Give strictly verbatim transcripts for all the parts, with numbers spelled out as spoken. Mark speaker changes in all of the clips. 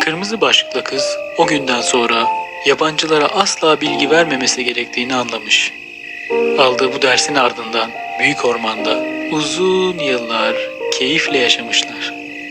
Speaker 1: Kırmızı başlıklı kız o günden sonra yabancılara asla bilgi vermemesi gerektiğini anlamış. Aldığı bu dersin ardından büyük ormanda uzun yıllar keyifle yaşamışlar.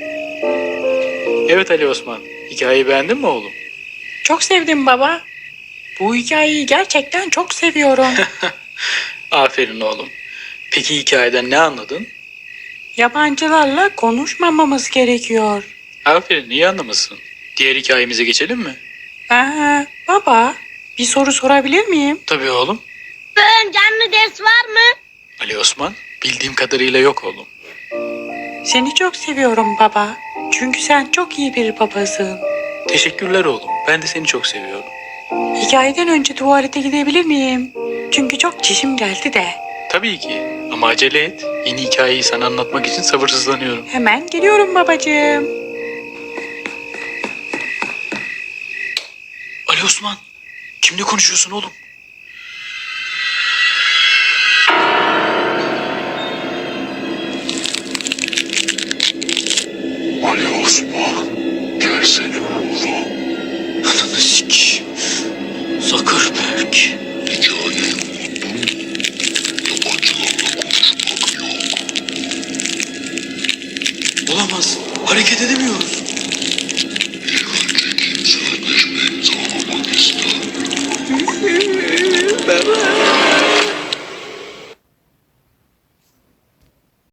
Speaker 1: Evet Ali Osman, hikayeyi beğendin mi oğlum?
Speaker 2: Çok sevdim baba. Bu hikayeyi gerçekten çok seviyorum.
Speaker 1: Aferin oğlum. Peki hikayeden ne anladın?
Speaker 2: Yabancılarla konuşmamamız gerekiyor.
Speaker 1: Aferin, iyi anlamışsın. Diğer hikayemize geçelim mi?
Speaker 2: Aa, baba, bir soru sorabilir miyim?
Speaker 1: Tabii oğlum.
Speaker 3: Bugün canlı ders var mı?
Speaker 1: Ali Osman, bildiğim kadarıyla yok oğlum.
Speaker 2: Seni çok seviyorum baba. Çünkü sen çok iyi bir babasın.
Speaker 1: Teşekkürler oğlum. Ben de seni çok seviyorum.
Speaker 2: Hikayeden önce tuvalete gidebilir miyim? Çünkü çok çişim geldi de.
Speaker 1: Tabii ki. Ama acele et. Yeni hikayeyi sana anlatmak için sabırsızlanıyorum.
Speaker 2: Hemen geliyorum babacığım.
Speaker 1: Ali Osman, kimle konuşuyorsun oğlum?
Speaker 4: Ali Osman, gelsene oğlum.
Speaker 1: Ananı sikeyim. Zuckerberg.
Speaker 4: Hikayeyi unuttun. Yabancılarla konuşmak yok.
Speaker 1: Olamaz. Hareket edemiyoruz.